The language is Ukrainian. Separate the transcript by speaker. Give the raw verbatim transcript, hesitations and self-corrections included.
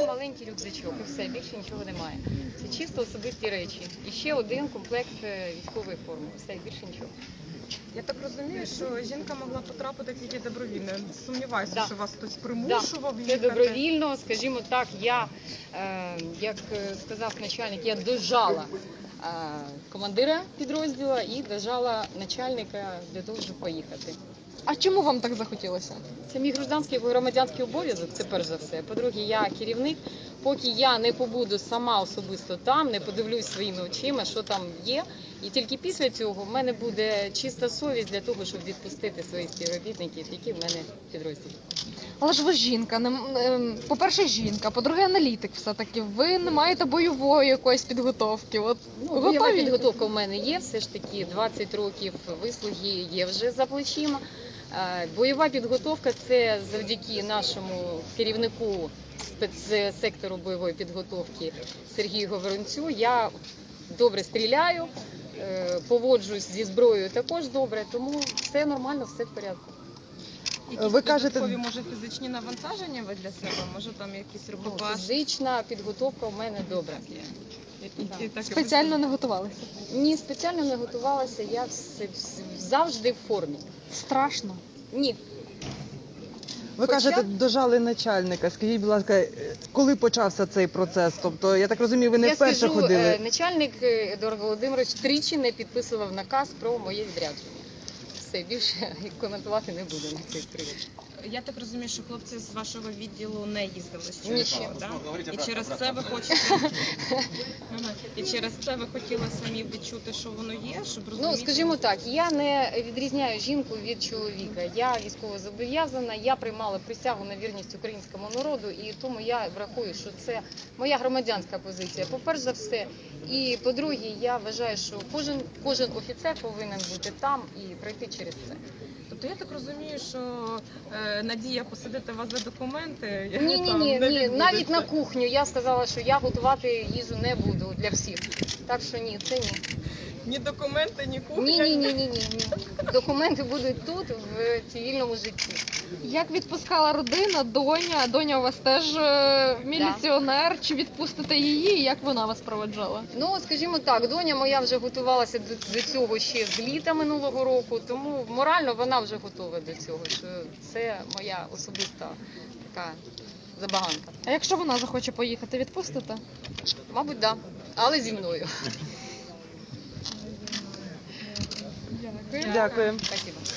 Speaker 1: маленький рюкзачок і все, більше нічого немає. Це чисто особисті речі. І ще один комплект військової форми. Все, більше нічого.
Speaker 2: Я так розумію, що жінка могла потрапити тільки добровільно. Сумніваюся,
Speaker 1: Да.
Speaker 2: що вас хтось примушував
Speaker 1: Да.
Speaker 2: їхати.
Speaker 1: Це добровільно, скажімо так, я, е, як сказав начальник, я дожала е, командира підрозділу і дожала начальника для того, щоб поїхати.
Speaker 3: А чому вам так захотілося?
Speaker 1: Це мій громадянський громадянський обов'язок, це перш за все. По-друге, я керівник. Поки я не побуду сама особисто там, не подивлюсь своїми очима, що там є. І тільки після цього в мене буде чиста совість для того, щоб відпустити своїх співробітників, які в мене в підрозділі.
Speaker 3: Але ж ви жінка, не- ем, по-перше, жінка, по-друге, аналітик все-таки. Ви не маєте бойової якоїсь підготовки. От,
Speaker 1: Ну, бойова
Speaker 3: готові?
Speaker 1: підготовка в мене є, все ж таки двадцять років вислуги є вже за плечима. Е, Бойова підготовка – це завдяки нашому керівнику спецсектору бойової підготовки Сергію Говорунцю. Я добре стріляю, е, поводжусь зі зброєю також добре, тому все нормально, все в порядку.
Speaker 2: Якісь
Speaker 4: Ви кажете-
Speaker 2: додаткові, може, фізичні навантаження ви для себе? Може, там якісь
Speaker 1: Ну,
Speaker 2: рукопаш?
Speaker 1: фізична підготовка в мене добра.
Speaker 2: І- і так-
Speaker 3: Спеціально не готувалися?
Speaker 1: Ні, спеціально не готувалася, я все- все- завжди в формі.
Speaker 3: Страшно.
Speaker 1: Ні.
Speaker 4: Ви
Speaker 1: Хоча-
Speaker 4: кажете, дожали начальника. Скажіть, будь ласка, е, коли почався цей процес? Тобто, я так розумію, ви не
Speaker 1: Я
Speaker 4: вперше
Speaker 1: скажу,
Speaker 4: ходили.
Speaker 1: е, начальник е, Едуард Володимирович тричі не підписував наказ про моє відрядження. Все, більше коментувати не буду на цей привід.
Speaker 2: Я так розумію, що хлопці з вашого відділу не їздили з
Speaker 1: Ні.
Speaker 2: Черкова, да? І через це ви хочете... Ага. І через це ви хотіли самі відчути, що воно є, щоб розуміти...
Speaker 1: Ну, скажімо так, я не відрізняю жінку від чоловіка. Я військово зобов'язана, я приймала присягу на вірність українському народу, і тому я врахую, що це моя громадянська позиція, по-перше за все. І по-друге, я вважаю, що кожен, кожен офіцер повинен бути там і пройти через це.
Speaker 2: Тобто я так розумію, що е, надія посадити вас за документи...
Speaker 1: Ні, ні,
Speaker 2: там
Speaker 1: ні,
Speaker 2: не
Speaker 1: ні,
Speaker 2: відбудеться.
Speaker 1: навіть на кухню я сказала, що я готувати їжу не буду для всіх. Так що ні, це ні.
Speaker 2: Ні документи, ні кухня.
Speaker 1: Ні, ні, ні, ні, ні, ні. Документи будуть тут, в цивільному житті.
Speaker 3: Як відпускала родина, доня? Доня у вас теж е, міліціонер. Чи відпустите її? Як вона вас проведжала?
Speaker 1: Ну, скажімо так, доня моя вже готувалася до, до цього ще з літа минулого року, тому морально вона вже готова до цього. Що це моя особиста така забаганка.
Speaker 3: А якщо вона захоче поїхати, відпустите?
Speaker 1: Мабуть, так, да. Але зі мною.
Speaker 4: Дякую.
Speaker 1: Спасибо.